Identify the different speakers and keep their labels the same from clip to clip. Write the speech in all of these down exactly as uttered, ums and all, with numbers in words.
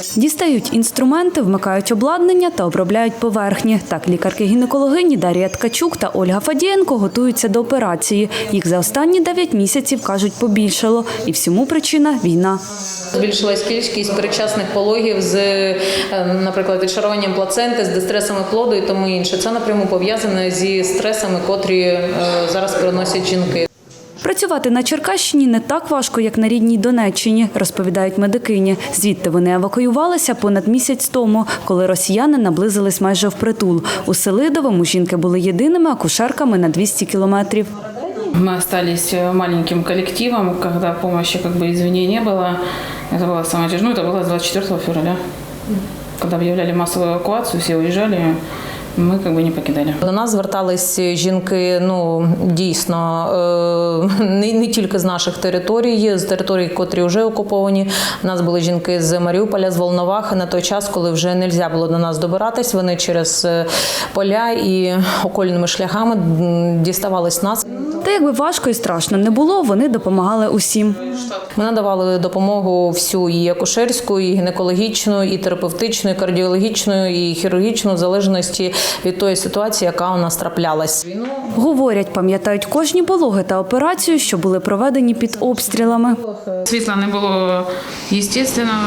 Speaker 1: Дістають інструменти, вмикають обладнання та обробляють поверхні. Так лікарки-гінекологині Дар'я Ткачук та Ольга Фадієнко готуються до операції. Їх за останні дев'ять місяців, кажуть, побільшало. І всьому причина – війна.
Speaker 2: Збільшилась кількість передчасних пологів з, наприклад, відшаруванням плаценти, з дистресами плоду і тому інше. Це напряму пов'язане зі стресами, котрі зараз переносять жінки.
Speaker 1: Працювати на Черкащині не так важко, як на рідній Донеччині, розповідають медикині. Звідти вони евакуювалися понад місяць тому, коли росіяни наблизились майже впритул. У Селидовому жінки були єдиними акушерками на двісті кілометрів.
Speaker 3: Мы остались маленьким коллективом, когда помощи как бы извне не было. Это было самое тяжелое, это было двадцать четвёртого февраля. Когда объявляли массовую эвакуацию, все уезжали, ми как бы не покидали.
Speaker 2: До нас звертались жінки, ну, дійсно, не, не тільки з наших територій, з територій, котрі вже окуповані. У нас були жінки з Маріуполя, з Волновахи. На той час, коли вже не можна було до нас добиратись, вони через поля і окольними шляхами діставались нас.
Speaker 1: Та якби важко і страшно не було, вони допомагали усім.
Speaker 2: Ми надавали допомогу всю, і акушерську, і гінекологічну, і терапевтичну, і кардіологічну, і хірургічну, в залежності від тої ситуації, яка у нас траплялась.
Speaker 1: Говорять, пам'ятають кожні пологи та операцію, що були проведені під обстрілами.
Speaker 3: Світла не було естественного,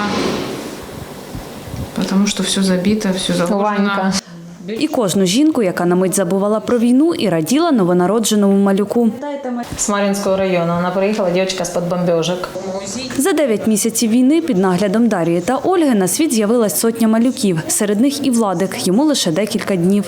Speaker 3: тому що все забито, все загружено.
Speaker 1: І кожну жінку, яка на мить забувала про війну і раділа новонародженому малюку.
Speaker 2: З Мар'їнського району. Вона приїхала, дівчинка з-під бомбежок.
Speaker 1: За дев'ять місяців війни під наглядом Дар'ї та Ольги на світ з'явилась сотня малюків. Серед них і Владик, йому лише декілька днів.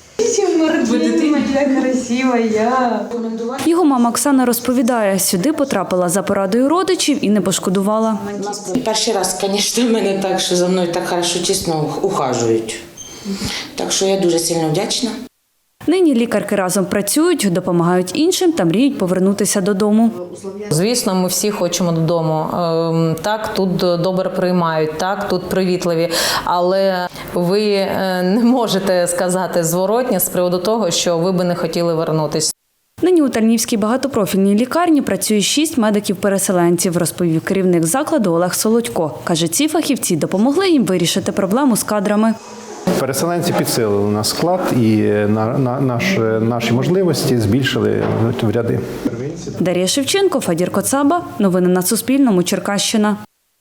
Speaker 1: Його мама Оксана розповідає, сюди потрапила за порадою родичів і не пошкодувала.
Speaker 4: Перший раз, звісно, в мене так, що за мною так хорошо, чесно ухажують. Так що я дуже сильно вдячна.
Speaker 1: Нині лікарки разом працюють, допомагають іншим та мріють повернутися додому.
Speaker 2: Звісно, ми всі хочемо додому. Так, тут добре приймають, так, тут привітливі. Але ви не можете сказати зворотнє з приводу того, що ви би не хотіли вернутися.
Speaker 1: Нині у Тальнівській багатопрофільній лікарні працює шість медиків-переселенців, розповів керівник закладу Олег Солодько. Каже, ці фахівці допомогли їм вирішити проблему з кадрами.
Speaker 5: Переселенці підсилили наш склад і на, на, наш, наші можливості збільшили в ряди.
Speaker 1: Дар'я Шевченко, Фадір Коцаба. Новини на Суспільному. Черкащина.